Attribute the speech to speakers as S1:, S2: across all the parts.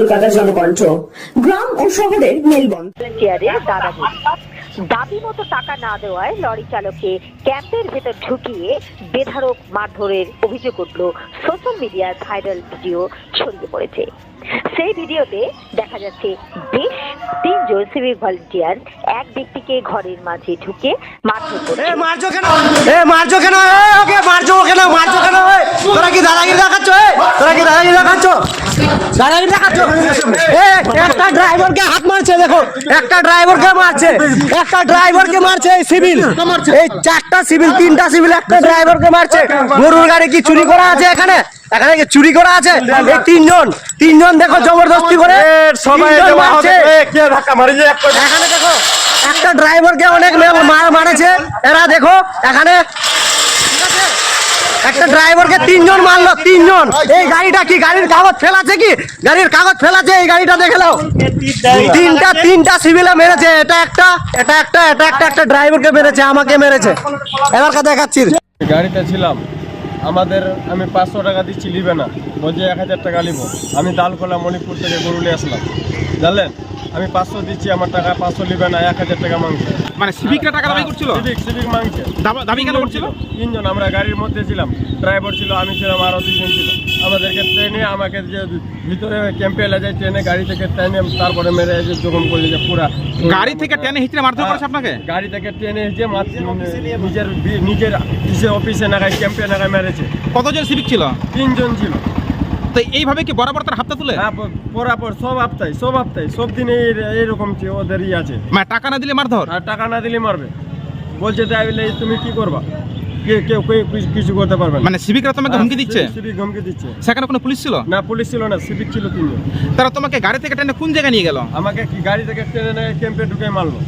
S1: কলকাতা জনকণ্ঠ। গ্রাম ও শহরের মেলবন্ধন।
S2: দাবি মতো টাকা না দেওয়ায় লরি চালককে ক্যাম্পের ভেতর ঢুকিয়ে বেধড়ক মারধরের অভিযোগ উঠল। সোশ্যাল মিডিয়ায় ভাইরাল ভিডিও ছড়িয়ে পড়েছে। সেই ভিডিওতে দেখা যাচ্ছে বেশ 3 জন সিভিক ভলান্টিয়ার এক ব্যক্তিকে ঘরের মাঝে ঢুকে মারধর করছে।
S3: তোরা কি দাদাগিরি দেখাচ্ছ? একটা ড্রাইভারকে হাত মারছে, দেখো একটা ড্রাইভারকে মারছে এই সিভিল, এই 4টা সিভিল 3টা সিভিল একটা ড্রাইভারকে মারছে। গরুর গাড়ি কি চুরি করা আছে এখানে? এখানে কি চুরি করা আছে? এই তিনজন দেখো জবরদস্তি করে সবাই মারছে। এখানে দেখো একটা ড্রাইভারকে অনেক মারেছে এরা, দেখো এখানে একটা ড্রাইভারকে 3 জন মারলো, 3 জন। এই গাড়িটা কি গাড়ির কাগজ ফেলাছে? কি গাড়ির কাগজ ফেলাছে? এই গাড়িটা দেখে নাও। তিনটা সিভিলে মেরেছে। এটা একটা ড্রাইভারকে মেরেছে, আমাকে মেরেছে। এবার কথা দেখাচ্ছি।
S4: গাড়িতে ছিলাম, আমি 500 টাকা দিচ্ছি, নিবে না, বলছে 1000 টাকা নিব। আমি দালকোলা মণিপুর থেকে গরুলে আসলাম, জানলেন। আমি 500 দিচ্ছি, আমার টাকা 500 নিবে না, 1000 টাকা মাংছে।
S5: মানে সিভিকরা টাকা দাবি করছিল?
S4: সিভিক মাংছে।
S5: দাবি কেন করছিল?
S4: 3 জন, আমরা গাড়ির মধ্যে ছিলাম, ড্রাইভার ছিল, আমি ছিলাম, আরো 2 জন ছিল। আমাদেরকে ট্রেনে, আমাকে যে ভিতরে ক্যাম্পে এলে যায় ট্রেনে, গাড়ি থেকে ট্রেনে তারপরে মেরে জখম করলে যে পুরা
S5: গাড়ি থেকে টেনে হিচড়ে মারধর করেছে আপনাকে?
S4: গাড়ি থেকে ট্রেনে যে নিজের অফিসে নাগায় ক্যাম্পে নাগায় মেরেছে।
S5: কতজন সিভিক ছিল?
S4: 3 জন ছিল।
S5: তো এইভাবে কি বরাবর তার হাতটা তুলে?
S4: হ্যাঁ, বরাবর সব হপ্তায় সব দিনে এইরকম ওদেরই আছে।
S5: মানে টাকা না দিলে মারধর?
S4: আর টাকা না দিলে মারবে, বলছে তাইলে তুমি কি করবা, কেউ কিছু করতে পারবে না।
S5: মানে সিভিকরা তোমাকে হুমকি দিচ্ছে?
S4: সিভিক হুমকি দিচ্ছে।
S5: সেখানে কোনো পুলিশ ছিল
S4: না, পুলিশ ছিল না, সিভিক ছিল 3 জন।
S5: তারা তোমাকে গাড়ি থেকে টেনে কোন জায়গায় নিয়ে গেল?
S4: আমাকে কি গাড়ি থেকে ট্রেনে ক্যাম্পে ঢুকে মারলো।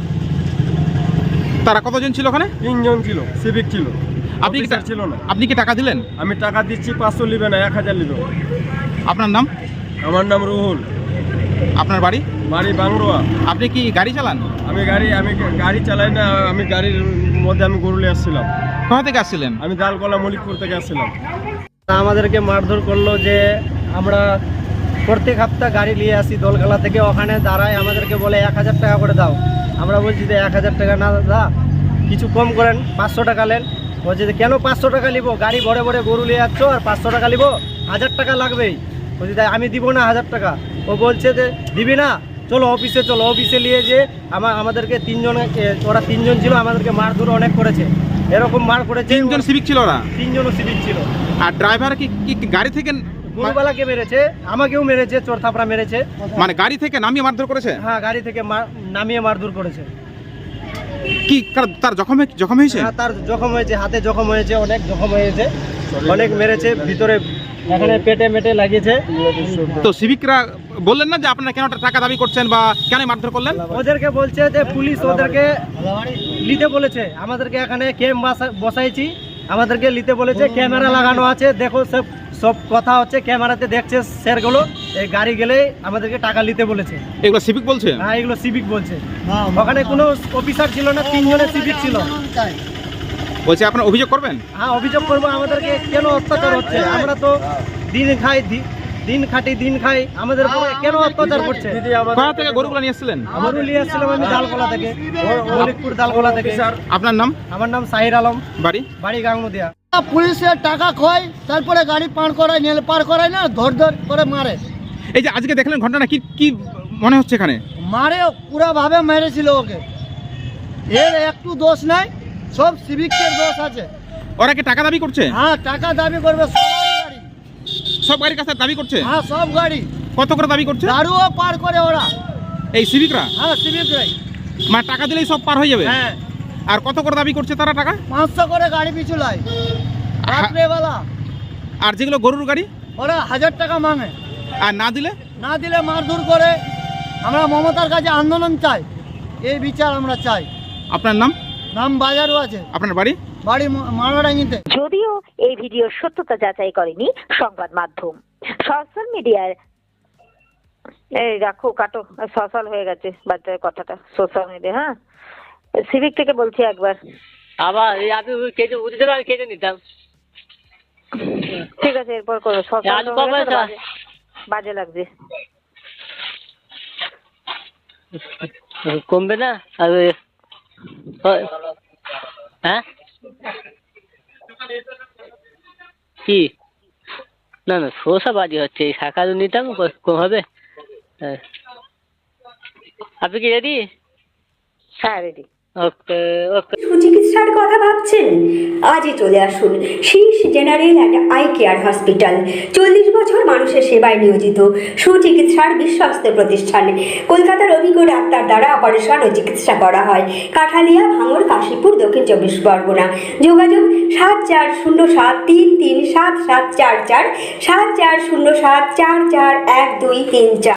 S5: তারা কতজন ছিল ওখানে?
S4: 3 জন ছিল, সিভিক ছিল।
S5: আপনি কি
S4: ছিল না।
S5: আপনি কি টাকা দিলেন?
S4: আমি টাকা দিচ্ছি, 500 নিবে না, 1000 নিবে।
S5: আপনার নাম?
S4: আমার নাম রুহুল।
S5: আপনার বাড়ি?
S4: বাড়ি বাংরোয়া।
S5: আপনি কি গাড়ি চালান?
S4: আমি গাড়ি চালাই না, আমি গাড়ির মধ্যে আমি গরুলে আসছিলাম।
S5: কোথা থেকে আসছিলেন?
S4: আমি দালকোলা মলিকপুর থেকে আসছিলাম।
S3: আমাদেরকে মারধর করলো যে আমরা প্রত্যেক সপ্তাহ গাড়ি নিয়ে আসি দোলখালা থেকে, ওখানে দাঁড়ায় আমাদেরকে বলে 1000 টাকা করে দাও। আমরা বলছি যে 1000 টাকা না দাদা, কিছু কম করেন, 500 টাকা নেন। বলছে যে কেন 500 টাকা নিবো, গাড়ি ভরে ভরে গরু নিয়ে যাচ্ছ আর 500 টাকা নিবো, 1000 টাকা লাগবেই। বলছি তাই আমি দিব না 1000 টাকা। ও বলছে যে দিবি না, চলো অফিসে নিয়ে যে আমাদেরকে 3 জন, ওরা 3 জন ছিল, আমাদেরকে মারধর অনেক করেছে। এরকম মার করেছে।
S5: 3 জন সিভিক ছিল ওরা?
S3: 3 জনও সিভিক ছিল।
S5: আর ড্রাইভার কি গাড়ি থেকে?
S3: গরুবালাকে মেরেছে, আমাকেও মেরেছে, চোর থাপড়া মেরেছে।
S5: মানে গাড়ি থেকে নামিয়ে মারধর করেছে?
S3: হ্যাঁ, গাড়ি থেকে নামিয়ে মারধর করেছে।
S5: কি তার জখম হয়েছে?
S3: হ্যাঁ, তার জখম হয়েছে, হাতে জখম হয়েছে, অনেক জখম হয়েছে, অনেক মেরেছে ভিতরে, এখানে পেটে মেটে লাগিয়েছে।
S5: তো সিভিকরা বললেন না যে আপনারা কেন টাকা দাবি করছেন বা কেন মারধর করলেন?
S3: ওদেরকে বলছে যে পুলিশ ওদেরকে নিতে বলেছে, আমাদেরকে এখানে ক্যাম্প বসাইছি, আমাদেরকে নিতে বলেছে, ক্যামেরা লাগানো আছে, দেখো সব কথা হচ্ছে, ক্যামেরাতে দেখছে স্যারগুলো। এই গাড়ি গেলে আমাদেরকে টাকা নিতে বলেছে।
S5: এগুলো সিভিক বলছে?
S3: হ্যাঁ, এগুলো সিভিক বলছে। ওখানে কোনো অফিসার ছিল না, 3 জনের সিভিক ছিল।
S5: বলছে আপনারা অভিযোগ করবেন?
S3: হ্যাঁ, অভিযোগ করবো। আমাদেরকে কেন অত্যাচার হচ্ছে? আমরা তো দিন খাই, আমাদের উপরে কেন অত্যাচার করছে?
S5: কোথা থেকে গরুগুলো নিয়ে এসেছিলেন?
S3: গরু নিয়ে আসছিলাম আমি দালকোলা থেকে, মলিকপুর দালকোলা থেকে।
S5: আপনার নাম?
S3: আমার নাম সাহির আলম। বাড়ি গাঙ্গুদিয়া।
S6: পুলিশের টাকা খয়, তারপরে গাড়ি পার করায় না, ধর করে মারে।
S5: এই যে আজকে দেখলেন ঘটনা, কি মনে হচ্ছে এখানে?
S6: মারে পুরা ভাবে মেরেছিল ওকে, এর একটু দোষ নাই, সব সিভিকের দোষ আছে।
S5: ওরা কি টাকা দাবি করছে?
S6: হ্যাঁ, টাকা দাবি করবে,
S5: সব গাড়ির কাছে দাবি করছে?
S6: হ্যাঁ, সব গাড়ি।
S5: কত করে দাবি করছে?
S6: দারুও পার করে ওরা,
S5: এই সিভিকরা?
S6: হ্যাঁ, সিভিকরাই।
S5: মানে টাকা দিলেই সব পার হয়ে যাবে?
S6: হ্যাঁ।
S5: আর কত করে দাবি করছে তারা টাকা?
S6: 500 করে গাড়ি পিছু লাই রাত্রেবেলা।
S5: আর যেগুলো গরুর গাড়ি,
S6: ওরা 1000 টাকা মাঙে।
S5: আর না দিলে
S6: মারধর করে। আমরা মমতার কাছে আন্দোলন চাই, এই বিচার আমরা চাই।
S5: আপনার
S6: নাম বাজারও আছে।
S5: আপনার বাড়ি?
S6: বাড়ি মারাডাঙ্গিতে।
S2: যদিও এই ভিডিওর সত্যতা যাচাই করেনি সংবাদ মাধ্যম। সোশ্যাল মিডিয়ায় কাটো সোশ্যাল হয়ে গেছে বাচ্চার কথাটা, সোশ্যাল মিডিয়া। হ্যাঁ, সিভিক থেকে বলছি একবার
S7: আবার আপনি কেটে নিতাম।
S2: ঠিক আছে, এরপর করো। সোশ্যাল বাজে লাগছে।
S7: কমবে না আর হ্যাঁ কি না না শোষা বাজি হচ্ছে এই শাখা নিতাম কম হবে। হ্যাঁ আপনি কি রেডি?
S2: হ্যাঁ রেডি।
S7: ওকে ওকে।
S1: সুচিকিৎসার কথা ভাবছেন? আজই চলে আসুন Shirsha general and eye care hospital. 40 বছর মানুষের সেবায় নিয়োজিত সুচিকিৎসার বিশ্বস্ত প্রতিষ্ঠান। কলকাতার অভিজ্ঞ ডাক্তার দ্বারা অপারেশন ও চিকিৎসা করা হয়। কাঠালিয়া, ভাঙড়, কাশীপুর, দক্ষিণ 24 পরগনা। যোগাযোগ 7407337744, 7407441234।